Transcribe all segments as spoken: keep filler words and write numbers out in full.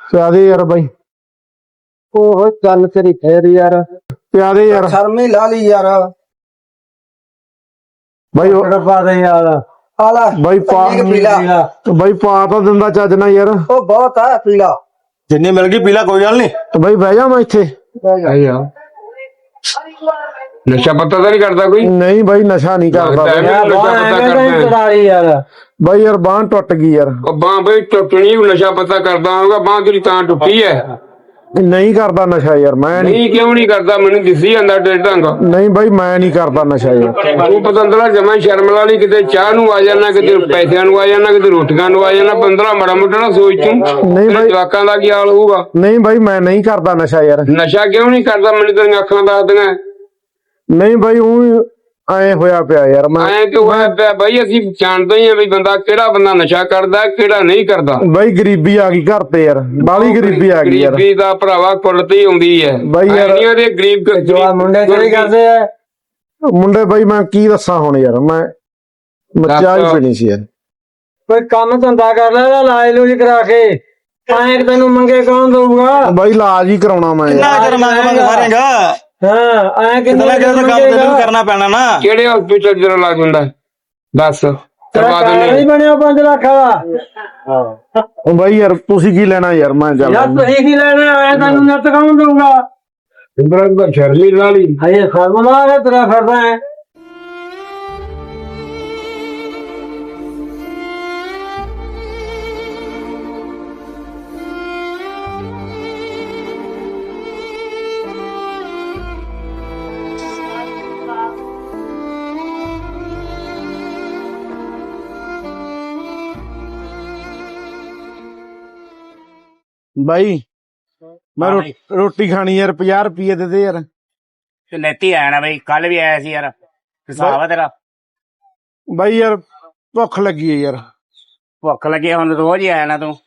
ਪਿਆ ਦੇ ਯਾਰ ਬਾਈ। ਉਹ ਚੱਲ ਤੇਰੀ ਫੇਰ ਯਾਰ ਪਿਆ ਦੇ ਯਾਰ। ਸ਼ਰਮੀ ਲਾ ਲਈ ਯਾਰ ਬਾਈ ਪਾ ਦੇ ਯਾਰ। ਆਲਾ ਬਾਈ ਪਾ ਬਾਈ ਪਾ ਤਾਂ ਦਿੰਦਾ ਚੱਜ ਨਾਲ ਯਾਰ। ਉਹ ਬਹੁਤ ਆ ਪੀਲਾ ਜਿੰਨੀ ਮਿਲ ਗਈ ਪੀਲਾ ਕੋਈ ਗੱਲ ਨਹੀਂ। ਬਾਈ ਬਹਿ ਜਾ ਮੈਂ ਇੱਥੇ। ਨਸ਼ਾ ਪੱਤਾ ਤਾਂ ਨਹੀਂ ਕਰਦਾ ਕੋਈ? ਨਹੀਂ ਬਾਈ ਨਸ਼ਾ ਨਹੀਂ ਕਰਦਾ ਯਾਰ। ਬਾਈ ਯਾਰ ਬਾਂਹ ਟੁੱਟ ਗਈ ਯਾਰ। ਬਾਂਹ ਬਈ ਟੁੱਟਣੀ, ਨਸ਼ਾ ਪੱਤਾ ਕਰਦਾ ਹੋਊਗਾ, ਬਾਂਹ ਤੇਰੀ ਤਾਂ ਟੁੱਟੀ ਹੈ। ਨਹੀਂ ਕਰਦਾ ਨਸ਼ਾ ਯਾਰ ਮੈਂ। ਨਹੀਂ ਕਿਉਂ ਨਹੀਂ ਕਰਦਾ? ਮੈਨੂੰ ਦਿਸੀ ਜਾਂਦਾ ਤੇਰੇ ਢੰਗ। ਨਹੀਂ ਬਾਈ ਮੈਂ ਨਹੀਂ ਕਰਦਾ ਨਸ਼ਾ ਯਾਰ। ਤੂੰ ਪਤੰਦਰਾ ਜਮਾ ਸ਼ਰਮ ਲਾ ਲਈ। ਕਿਤੇ ਚਾਹ ਨੂੰ ਆ ਜਾਣਾ, ਕਿਤੇ ਪੈਸਿਆਂ ਨੂੰ ਆ ਜਾਣਾ, ਕਿਤੇ ਰੋਟੀਆਂ ਨੂੰ ਆ ਜਾਣਾ। ਪੰਦਰਾਂ ਮਾੜਾ ਮੋਟਾ ਨਾ ਸੋਚ ਤੂੰ। ਨਹੀਂ ਬਾਈ ਜਵਾਕਾਂ ਦਾ ਕੀ ਹਾਲ ਹੋਊਗਾ? ਨਹੀਂ ਬਾਈ ਮੈਂ ਨਹੀਂ ਕਰਦਾ ਨਸ਼ਾ ਯਾਰ। ਨਸ਼ਾ ਕਿਉਂ ਨਹੀਂ ਕਰਦਾ? ਮੈਨੂੰ ਤੇਰੀਆਂ ਅੱਖਾਂ ਦੱਸਦੀਆਂ। ਨਹੀਂ ਬਾਈ ਉਹ ਐ ਹੋਇਆ ਪਿਆ ਯਾਰ ਮੈਂ। ਐ ਕਿਉਂ ਹੋਇਆ ਪਿਆ ਬਾਈ? ਅਸੀਂ ਜਾਣਦੇ ਹੀ ਆ ਵੀ ਬੰਦਾ ਕਿਹੜਾ ਬੰਦਾ ਨਸ਼ਾ ਕਰਦਾ ਕਿਹੜਾ ਨਹੀਂ ਕਰਦਾ। ਬਾਈ ਗਰੀਬੀ ਆ ਗਈ ਘਰ ਤੇ ਯਾਰ, ਬਾਹਲੀ ਗਰੀਬੀ ਆ ਗਈ ਯਾਰ। ਗਰੀਬੀ ਦਾ ਭਰਾਵਾ ਕੁੱਲ ਤੇ ਹੀ ਆਉਂਦੀ ਹੈ ਬਾਈ ਯਾਰ। ਐਨੀਆਂ ਦੇ ਗਰੀਬ ਮੁੰਡੇ ਕਿਹੜੇ ਕਰਦੇ ਆ ਮੁੰਡੇ ਬਾਈ ਮੈਂ ਕੀ ਦੱਸਾਂ ਹੁਣ ਯਾਰ। ਮੈਂ ਮੱਚਾ ਹੀ ਪੀਣੀ ਸੀ ਯਾਰ। ਕੋਈ ਕੰਮ ਧੰਦਾ ਕਰ ਲੈ, ਇਲਾਜ ਲੂਜ ਕਰਾ ਕੇ। ਐਂ ਤੈਨੂੰ ਮੰਗੇ ਕੌਣ ਦਊਗਾ? ਬਾਈ ਇਲਾਜ ਹੀ ਕਰਾਉਣਾ ਮੈਂ ਯਾਰ। ਕਿੰਨਾ ਚਿਰ ਮੰਗ ਮੰਗ ਮਾਰੇਗਾ? ਹਾਂ ਐਂ ਕਿੰਨਾ ਕੰਮ ਤੈਨੂੰ ਕਰਨਾ ਪੈਣਾ ਨਾ। ਕਿਹੜੇ ਹਸਪੀਟਲ ਜਿਹੜਾ ਲੱਗ ਹੁੰਦਾ ਦੱਸ ਕਰਵਾ ਦਿੰਦੇ। ਨਹੀਂ ਬਣਿਆ ਪੰਜ ਲੱਖ ਵਾਲਾ। ਉਹ ਬਾਈ ਯਾਰ ਤੁਸੀਂ ਕੀ ਲੈਣਾ ਯਾਰ? ਮੈਂ ਯਾਰ ਚੱਲ ਤੁਸੀਂ ਕੀ ਲੈਣਾ? ਐ ਤੈਨੂੰ ਨੱਤ ਕੌਣ ਦਊਗਾ? ਇੰਦਰਾ ਸ਼ਰਮੀ ਲਾ ਲਈ। ਹਏ ਖਰਮਲਾ ਹੈ ਤੇਰਾ ਫਿਰਦਾ ਹੈ। ਬਾਈ ਮੈਂ ਰੋ- ਰੋਟੀ ਖਾਣੀ ਯਾਰ। ਪੰਜਾਹ ਰੁਪਏ ਦੇ ਦੇ ਯਾਰ। ਤੇ ਲੈਤੀ ਆਇਆ ਨਾ ਬਈ, ਕੱਲ ਵੀ ਆਇਆ ਸੀ ਯਾਰ। ਹਿਸਾਬ ਆ ਤੇਰਾ? ਬਾਈ ਯਾਰ ਭੁੱਖ ਲੱਗੀ ਹੈ ਯਾਰ। ਭੁੱਖ ਲੱਗੀ ਹੁਣ ਰੋਜ਼ ਹੀ ਆਇਆ ਨਾ ਤੂੰ।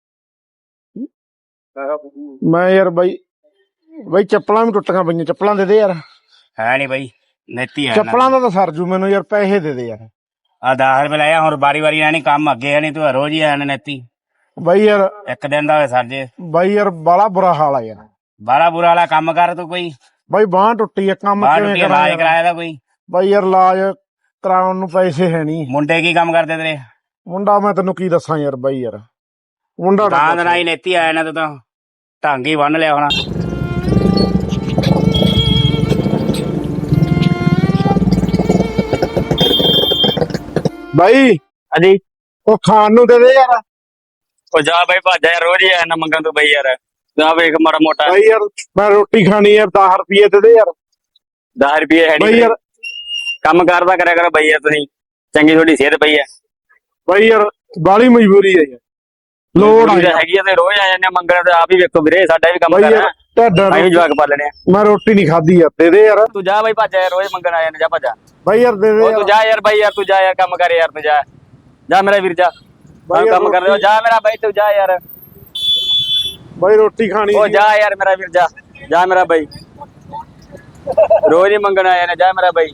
ਮੈਂ ਯਾਰ ਬਾਈ ਬਾਈ ਚੱਪਲਾਂ ਵੀ ਟੁੱਟੀਆਂ ਪਈਆਂ। ਚੱਪਲਾਂ ਦੇ ਦੇ ਯਾਰ। ਹੈ ਨੀ ਬਈ, ਲੈਤੀ ਆਇਆ ਚੱਪਲਾਂ ਦਾ ਤਾਂ ਸਰਜੂ ਮੈਨੂੰ ਯਾਰ। ਪੈਸੇ ਦੇ ਦੇ ਯਾਰ। ਆ ਦਸ ਰੁਪਏ ਲਾਇਆ ਹੁਣ ਵਾਰੀ ਵਾਰੀ ਆਣੀ ਕੰਮ ਅੱਗੇ ਆਣੀ। ਤੂੰ ਰੋਜ਼ ਹੀ ਆਇਆ ਨਾ ਨੈਤੀ। ਬਾਈ ਯਾਰ ਇੱਕ ਦਿਨ ਦਾ ਹੋਵੇ ਸਰ ਜੇ। ਬਾਈ ਯਾਰ ਬਾਲਾ ਬੁਰਾ ਹਾਲ ਆ ਯਾਰ। ਬਾਰਾ ਬੁਰਾ ਵਾਲਾ ਕੰਮ ਕਰ ਤੂੰ ਕੋਈ। ਬਾਈ ਬਾਂਹ ਟੁੱਟੀ ਆ, ਕੰਮ ਬਾਹਰ ਕਿਵੇਂ ਰੁਪਏ ਇਲਾਜ ਕਰਾਂ? ਕਰਾਇਆ ਦਾ ਕੋਈ? ਬਾਈ ਯਾਰ ਇਲਾਜ ਕਰਾਉਣ ਨੂੰ ਪੈਸੇ ਹੈ ਨਹੀਂ। ਮੁੰਡੇ ਕੀ ਕੰਮ ਕਰਦੇ ਤੇਰੇ? ਮੁੰਡਾ ਮੈਂ ਤੈਨੂੰ ਕੀ ਦੱਸਾਂ ਯਾਰ। ਬਾਈ ਯਾਰ ਮੁੰਡਾ ਤਾਂ ਦਾ ਹੀ ਨੈਤੀ ਆਇਆ ਨਾ ਤੂੰ ਤਾਂ ਢੰਗ ਹੀ ਬੰਨ ਲਿਆ ਹੋਣਾ। ਬਾਈ ਹਾਂਜੀ ਉਹ ਖਾਣ ਨੂੰ ਦੇ ਦੇ ਯਾਰ। ਉਹ ਜਾ ਬਾਈ ਭੱਜ ਯਾਰ, ਰੋਜ਼ ਹੀ ਆਇਆ ਨਾ ਮੰਗਣ ਤੋਂ ਬਈ ਯਾਰ। ਜਾ ਵੇਖ ਮਾੜਾ ਮੋਟਾ। ਬਾਈ ਯਾਰ ਮੈਂ ਰੋਟੀ ਖਾਣੀ ਯਾਰ। ਦਸ ਰੁਪਏ ਦੇ ਦੇ ਯਾਰ। ਦਸ ਰੁਪਏ ਹੈ ਬਾਈ ਨੀ। ਯਾਰ ਕੰਮ ਕਰਦਾ ਕਰਿਆ ਕਰੋ ਬਈ ਯਾਰ ਤੁਸੀਂ। ਚੰਗੀ ਤੁਹਾਡੀ ਸਿਹਤ ਪਈ ਹੈ। ਬਾਈ ਯਾਰ ਬਾਲੀ ਮਜਬੂਰੀ ਹੈ ਯਾਰ। ਲੋੜ ਆ ਯਾਰ। ਹੈਗੀ ਆ ਤੇ ਰੋਜ਼ ਆ ਜਾਂਦੇ ਆ ਮੰਗਣ। ਤੇ ਆਪ ਹੀ ਵੇਖੋ ਵੀਰੇ, ਸਾਡਾ ਵੀ ਕੰਮ ਬਾਈ ਕਰਨਾ। ਯਾਰ ਤੁਹਾਡਾ ਅਸੀਂ ਵੀ ਜਵਾਕ ਪਾਲਣੇ ਆ। ਮੈਂ ਰੋਟੀ ਨਹੀਂ ਖਾਧੀ ਯਾਰ। ਦੇ ਦੇ ਯਾਰ। ਤੂੰ ਜਾ ਬਾਈ ਭੱਜ ਯਾਰ, ਰੋਜ਼ ਮੰਗਣ ਆ ਜਾਂਦੇ। ਜਾ ਭੱਜ। ਬਾਈ ਯਾਰ ਦੇ ਦੇ ਉਹ ਯਾਰ। ਤੂੰ ਜਾ ਯਾਰ ਬਾਈ ਯਾਰ, ਤੂੰ ਜਾ ਯਾਰ ਕੰਮ ਕਰ ਯਾਰ। ਤੂੰ ਜਾ ਜਾ ਮੇਰਾ ਵੀਰ ਜਾ। ਬਾਈ ਕੰਮ ਕਰ ਰਿਹਾ ਜਾ ਮੇਰਾ ਬਾਈ। ਤੂੰ ਜਾ ਯਾਰ। ਬਾਈ ਰੋਟੀ ਖਾਣੀ ਉਹ ਸੀ। ਜਾ ਯਾਰ ਮੇਰਾ ਵੀਰ ਜਾ। ਜਾ ਮੇਰਾ ਬਾਈ, ਰੋਜ਼ ਹੀ ਮੰਗਣ ਆਇਆ ਨੇ। ਜਾ ਮੇਰਾ ਬਾਈ।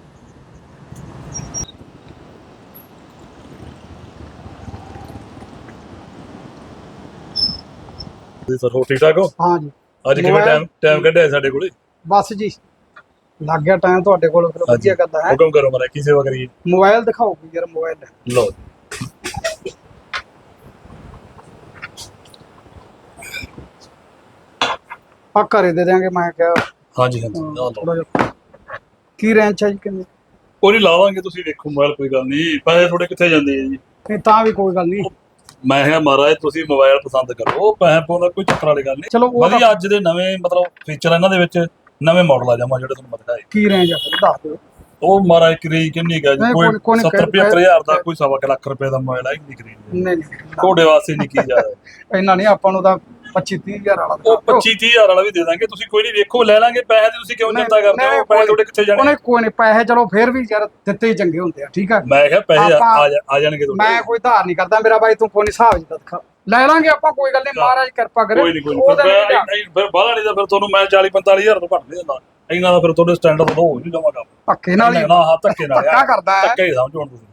ਸਰ ਹੋ ਠੀਕ ਠਾਕ ਹੋ? ਹਾਂ ਜੀ। ਅੱਜ ਕਿਵੇਂ ਟਾਈਮ ਟਾਈਮ ਕੱਢਿਆ ਸਾਡੇ ਕੋਲੇ? ਬਸ ਜੀ ਲੱਗ ਗਿਆ ਟਾਈਮ ਤੁਹਾਡੇ ਕੋਲ। ਫਿਰ ਵਧੀਆ ਕਰਦਾ ਹੈ। ਹੁਕਮ ਕਰੋ ਮਾਰਾ, ਕੀ ਸੇਵਾ ਕਰੀਏ? ਮੋਬਾਈਲ ਦਿਖਾਓ ਕੋਈ ਯਾਰ। ਮੋਬਾਈਲ ਲਓ ਆ ਘਰੇ ਦੇ ਦਿਆਂਗੇ। ਮੈਂ ਕਿਹਾ ਹਾਂਜੀ ਹਾਂਜੀ ਆਹ ਲਓ। ਥੋੜਾ ਜਿਹਾ ਕੀ ਰੇਂਜ ਹੈ ਜੀ? ਕਿੰਨੇ? ਕੋਈ ਨਹੀਂ ਲਾਵਾਂਗੇ, ਤੁਸੀਂ ਵੇਖੋ ਮੋਬਾਈਲ। ਕੋਈ ਗੱਲ ਨਹੀਂ, ਪੈਸੇ ਥੋੜੇ ਕਿੱਥੇ ਜਾਂਦੇ ਆ ਜੀ? ਨਹੀਂ ਤਾਂ ਵੀ ਕੋਈ ਗੱਲ ਨਹੀਂ। ਮੈਂ ਕਿਹਾ ਮਹਾਰਾਜ ਤੁਸੀਂ ਮੋਬਾਈਲ ਪਸੰਦ ਕਰੋ, ਪੈਸੇ ਪਾਉਂਦਾ ਕੋਈ ਚੱਕਰ ਵਾਲੀ ਗੱਲ ਨਹੀਂ। ਚਲੋ ਉਹ ਵਧੀਆ ਅੱਜ ਦੇ ਨਵੇਂ ਮਤਲਬ ਫੀਚਰ ਇਹਨਾਂ ਦੇ ਵਿੱਚ ਨਵੇਂ ਮਾਡਲ ਆ ਜਾਵਾਂ ਜਿਹੜੇ ਤੁਹਾਨੂੰ ਮੈਂ ਦਿਖਾਏ। ਕੀ ਰੇਂਜ ਹੈ ਫਿਰ ਦੱਸ ਦਿਓ। ਉਹ ਮਹਾਰਾਜ ਕਰੀ ਕਿੰਨੀ ਗਾ ਜੀ? ਨਹੀਂ, ਕੋਈ ਕੋਈ- ਕੋਈ ਨਹੀਂ, ਸੱਤਰ ਪਝੱਤਰ ਹਜ਼ਾਰ ਦਾ, ਕੋਈ ਸਵਾ ਕੁ ਲੱਖ ਰੁਪਏ ਦਾ ਮੋਬਾਈਲ ਆ ਹੀ ਨਹੀਂ ਕਰੀ। ਨਹੀਂ ਨਹੀਂ ਤੁਹਾਡੇ ਵਾਸਤੇ ਨਹੀਂ ਕੀ ਜਾਇਆ। ਇੰਨਾ ਨਹੀਂ ਆਪਾਂ ਨੂੰ ਤਾਂ ਪੱਚੀ ਤੀਹ ਹਜ਼ਾਰ ਵਾਲਾ ਉਹ ਪੱਚੀ ਤੀਹ ਹਜ਼ਾਰ ਵਾਲਾ ਵੀ ਦੇ ਦਾਂਗੇ। ਤੁਸੀਂ ਕੋਈ ਨਹੀਂ ਵੇਖੋ, ਲੈ ਲਾਂਗੇ ਪੈਸੇ। ਤੇ ਤੁਸੀਂ ਕਿਉਂ ਚਿੰਤਾ ਕਰਦੇ ਹੋ? ਪੈਸੇ ਤੁਹਾਡੇ ਕਿੱਥੇ ਜਾਣੇ? ਉਹਨੇ ਕੋਈ ਨਹੀਂ ਪੈਸੇ ਚਲੋ ਫਿਰ ਵੀ ਯਾਰ ਦਿੱਤੇ ਹੀ ਚੰਗੇ ਹੁੰਦੇ ਆ। ਠੀਕ ਆ। ਮੈਂ ਕਿਹਾ ਪੈਸੇ ਆ ਆਪਾਂ- ਆ ਜਾ- ਆ ਜਾਣਗੇ ਤੁਹਾਡੇ। ਮੈਂ ਕੋਈ ਧਾਰ ਨਹੀਂ ਕਰਦਾ ਮੇਰਾ ਬਾਈ। ਤੂੰ ਕੋਈ ਨੀ ਹਿਸਾਬ ਜਿੱਦਾਂ ਦਿਖਾ ਲੈ ਲਾਂਗੇ ਆਪਾਂ। ਕੋਈ ਗੱਲ ਨਹੀਂ, ਮਹਾਰਾਜ ਕਿਰਪਾ ਕਰੇ। ਕੋਈ ਨਹੀਂ ਕੋਈ ਉਹਦਾ ਨਹੀਂ ਨਹੀਂ ਧਿਆਨ। ਫਿਰ ਬਾਹਲਾ ਨਹੀਂ ਤਾਂ ਫਿਰ ਤੁਹਾਨੂੰ ਮੈਂ ਚਾਲੀ ਪੰਤਾਲੀ ਹਜ਼ਾਰ ਤੋਂ ਘੱਟ ਨਹੀਂ ਦਿੰਦਾ। ਇਹਨਾਂ ਦਾ ਫਿਰ ਤੁਹਾਡੇ ਸਟੈਂਡਰਡ ਤੋਂ ਹੋ ਨਹੀਂ ਜਾਵਾਂਗਾ। ਧੱਕੇ ਨਾਲ ਹੀ ਨਾ ਹਾਂ ਧੱਕੇ ਨਾਲ ਧੱਕਾ ਕਰਦਾ ਹੈ। ਧੱਕੇ ਹੀ ਸਮਝੋ ਹੁਣ ਤੁਸੀਂ।